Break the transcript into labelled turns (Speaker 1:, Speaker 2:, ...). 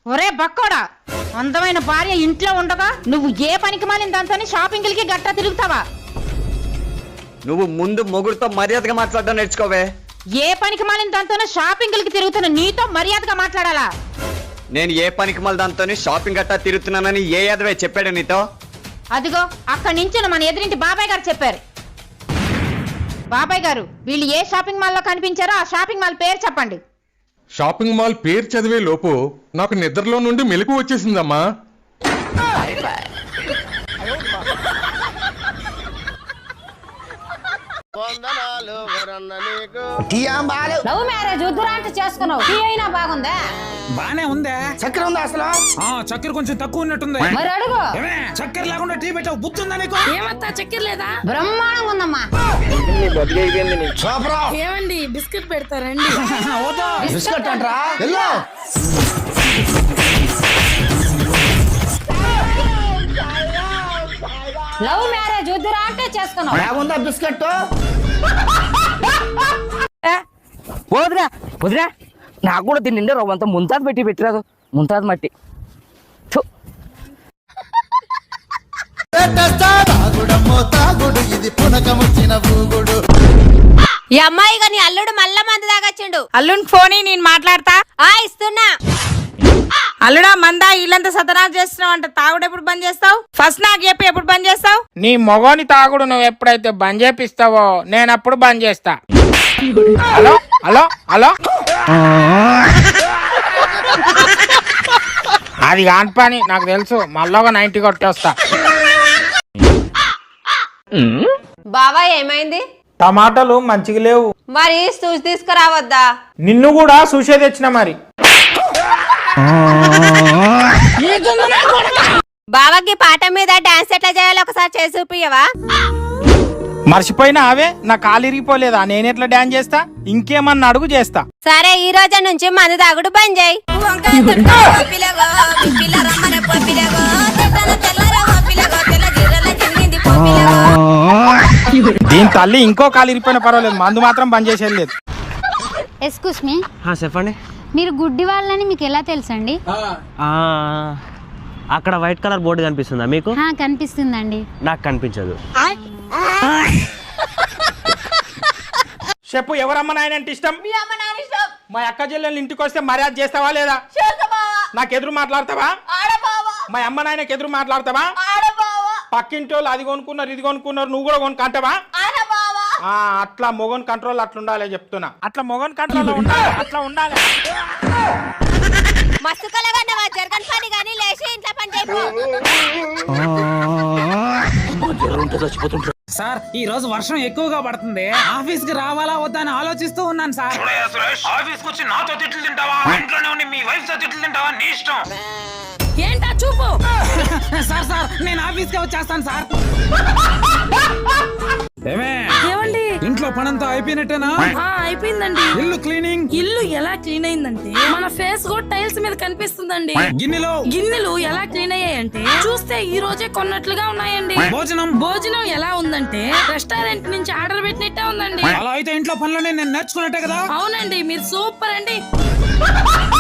Speaker 1: ఒరే బక్కోడా, అందమైన భార్య ఇంట్లో ఉండగా నువ్వు ఏ పనికి మాలిన దాంతో షాపింగ్లకి గట్టా తిరుగుతావా?
Speaker 2: నువ్వు ముందు మొగుడుతో మర్యాదగా మాట్లాడడం నేర్చుకోవే.
Speaker 1: ఏ పనికి మాలిన దాంతో షాపింగ్లకి తిరుగుతున్న నీతో మర్యాదగా మాట్లాడాలా?
Speaker 2: నేను ఏ పనికి మళ్ళీ దాంతో షాపింగ్ గట్టా తిరుగుతున్నానని ఏ యాదవే చెప్పాడు నీతో?
Speaker 1: అదిగో అక్కడి నుంచి మన ఎదురింటి బాబాయ్ గారు చెప్పారు. బాబాయ్ గారు, వీళ్ళు ఏ షాపింగ్ మాల్లో కనిపించారో ఆ షాపింగ్ మాల్ పేరు చెప్పండి.
Speaker 3: షాపింగ్ మాల్ పేరు చదివే లోపు నాకు నిద్రలో నుండి మెలకు వచ్చేసిందమ్మా.
Speaker 1: లవ్ మ్యారేజ్ వద్దురా అంటే చేసుకున్నావు, టీ అయినా బాగుందా?
Speaker 4: బానే ఉందా?
Speaker 5: చక్కెర ఉందా అసలు?
Speaker 4: చక్కెర కొంచెం తక్కువ ఉన్నట్టుంది.
Speaker 1: మరి అడుగు.
Speaker 4: చక్కెర లేకుండా టీ పెట్టావు, బుద్ధుందా నీకు?
Speaker 6: ఏమంతా చక్కెర లేదా?
Speaker 1: బ్రహ్మాండంగా ఉందమ్మా.
Speaker 6: ఏమండి బిస్కెట్ పెడతారండి?
Speaker 5: బిస్కెట్ అంటరా?
Speaker 1: లవ్ మ్యారేజ్ వద్దురా అంటే చేసుకున్నావు.
Speaker 5: బాగుందా బిస్కెట్?
Speaker 7: వదిరా వదిరా, నాకు కూడా దీని నిండా రవ్వంతా ముంతాజ్ పెట్టి పెట్టిరాదు. ముంతాజ్ మట్టి
Speaker 8: ఈ అమ్మాయి గాని అల్లుడు మళ్ళా మంది దాగచ్చిండు.
Speaker 1: అల్లుని ఫోన్ నేను మాట్లాడతా.
Speaker 8: ఇస్తున్నా.
Speaker 1: అల్లుడా, మందా ఇల్లంతా సతనాలు చేస్తున్నావు అంట. తాగుడు ఎప్పుడు బంద్ చేస్తావు? ఫస్ట్ నాకు చెప్పి ఎప్పుడు బంద్ చేస్తావు?
Speaker 9: నీ మొగోని తాగుడు నువ్వు ఎప్పుడైతే బంద్ చేపిస్తావో నేను అప్పుడు బంద్ చేస్తా. హలో హలో హలో, అది కాని పని నాకు తెలుసు. మళ్ళీ ఒక 90 కొట్టేస్తా.
Speaker 8: బావా ఏమైంది?
Speaker 9: టమాటాలు మంచిగా లేవు.
Speaker 8: మరి చూసి తీసుకురావద్దా?
Speaker 9: నిన్ను కూడా చూసే తెచ్చిన మరి.
Speaker 8: బావకి పాట మీద డాన్స్ ఎట్లా చేయాలో ఒకసారి చేసి చూపియవా?
Speaker 9: మర్చిపోయినా అవే, నా కాలు ఇరిగిపోలేదా? నేను ఎట్లా డాన్స్ చేస్తా? ఇంకేమన్నా అడుగు చేస్తా.
Speaker 8: సరే, ఈ రోజు నుంచి మందు తాగుడు బంద్ చేయి.
Speaker 9: దీని తల్లి ఇంకో కాలు ఇరిపోయినా పర్వాలేదు, మందు మాత్రం బంద్ చేసేది లేదు.
Speaker 10: ఎక్స్క్యూజ్ మీ,
Speaker 2: చెప్పండి.
Speaker 10: మీరు గుడ్డి వాళ్ళని మీకు ఎలా తెలుసండి?
Speaker 2: అక్కడ వైట్ కలర్ బోర్డు కనిపిస్తుందా మీకు?
Speaker 10: కనిపిస్తుందండి.
Speaker 2: నాకు కనిపించదు.
Speaker 9: చెప్పు, ఎవరమ్మ నాయన అంటే ఇష్టం? మా అక్క చెల్లెలు ఇంటికి వస్తే మర్యాద చేస్తావా లేదా? నాకు ఎదురు మాట్లాడతావా? మా అమ్మ నాయనకి ఎదురు మాట్లాడతావా? పక్కింటి వాళ్ళు అది కొనుక్కున్నారు ఇది కొనుక్కున్నారు, నువ్వు కూడా కొనుక్కంటావా? అట్లా మొగన్ కంట్రోల్ అట్లా ఉండాలి చెప్తున్నా. అట్లా మొగన్ కంట్రోల్ ఉండాలి, అట్లా ఉండాలి.
Speaker 8: మస్తు కలగండవా, జరగని పని కానీ లేచి ఇంట్లో పని చేయకు.
Speaker 4: సార్, ఈ రోజు వర్షం ఎక్కువగా పడుతుంది. ఆఫీస్ కి రావాలా వద్దా అని ఆలోచిస్తూ ఉన్నాను సార్. ఆఫీస్ కి వచ్చి నాతో తిట్లు తింటావా, ఇంట్లోనే ఉండి మీ వైఫ్ తో తిట్లు తింటావా, నీ ఇష్టం.
Speaker 6: ఏంటా చూపు?
Speaker 4: సార్ సార్, నేను ఆఫీస్ కి వచ్చేస్తాను సార్.
Speaker 6: ఏమండి,
Speaker 4: ఇంట్లో పనంతా అయిపోయినట్టేనా?
Speaker 6: అయిపోయిందండి.
Speaker 4: ఇల్లు క్లీనింగ్.
Speaker 6: ఇల్లు ఎలా క్లీన్ అయిందంటే మన ఫేస్ కూడా టైల్స్ మీద కనిపిస్తుందండి. గిన్నెలు ఎలా క్లీన్ అయ్యాయంటే చూస్తే ఈ రోజే కొన్నట్లుగా ఉన్నాయండి. భోజనం ఎలా ఉందంటే రెస్టారెంట్ నుంచి ఆర్డర్ పెట్టినట్టే ఉందండి.
Speaker 4: అలా అయితే ఇంట్లో పనులనే నేను నేర్చుకున్నట్టే కదా.
Speaker 6: అవునండి, మీరు సూపర్ అండి.